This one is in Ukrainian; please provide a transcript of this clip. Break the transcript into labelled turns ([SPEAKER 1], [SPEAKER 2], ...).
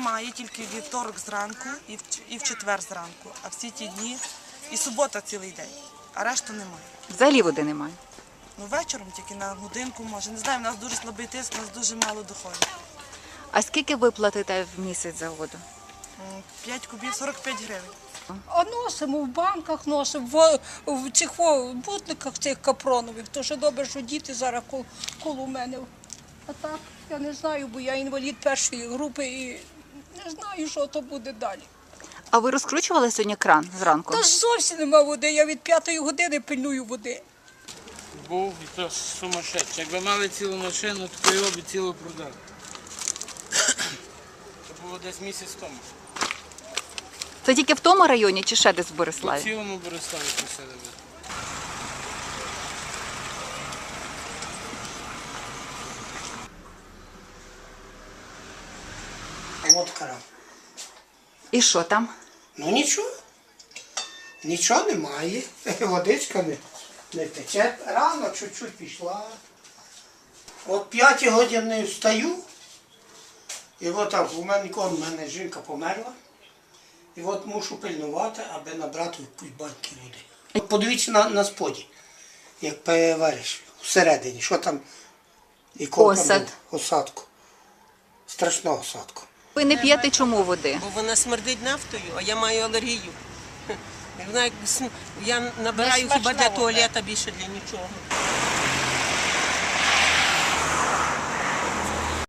[SPEAKER 1] немає, тільки вівторок зранку і в четвер зранку. А всі ті дні, і субота цілий день, а решта немає.
[SPEAKER 2] Взагалі води немає.
[SPEAKER 1] Ну, вечором тільки на годинку, може. Не знаю, в нас дуже слабий тиск, у нас дуже мало доходить.
[SPEAKER 2] А скільки ви платите в місяць за воду?
[SPEAKER 1] 5 кубів, 45 гривень.
[SPEAKER 3] А носимо в банках, носимо в цих бутниках цих капронових. То що добре, що діти зараз коло мене. А так, я не знаю, бо я інвалід першої групи і не знаю, що то буде далі.
[SPEAKER 2] А ви розкручували сьогодні кран зранку?
[SPEAKER 3] Та зовсім нема води, я від 5-ї години пильную води.
[SPEAKER 4] Був і то сумасшедший. Якби мали цілу машину, то його б цілу продали. Це було десь місяць тому.
[SPEAKER 2] Це тільки в тому районі чи ще десь в
[SPEAKER 4] По
[SPEAKER 2] Бориславі?
[SPEAKER 4] цілому Бориславі просили.
[SPEAKER 5] От кран.
[SPEAKER 2] І що там?
[SPEAKER 5] Ну нічого. Нічого немає. Водичка не тече. Рано чуть-чуть пішла. От 5 годин не встаю. І от так, у мене жінка померла. І от мушу пильнувати, аби набрати якусь баньки води. От подивіться на споді, як перевариш всередині, що там і
[SPEAKER 2] Осад.
[SPEAKER 5] Осадку. Страшного осадку.
[SPEAKER 2] Ви не п'єте чому води?
[SPEAKER 6] Бо вона смердить нафтою, а я маю алергію. Вона, я набираю хіба для туалета, більше для нічого.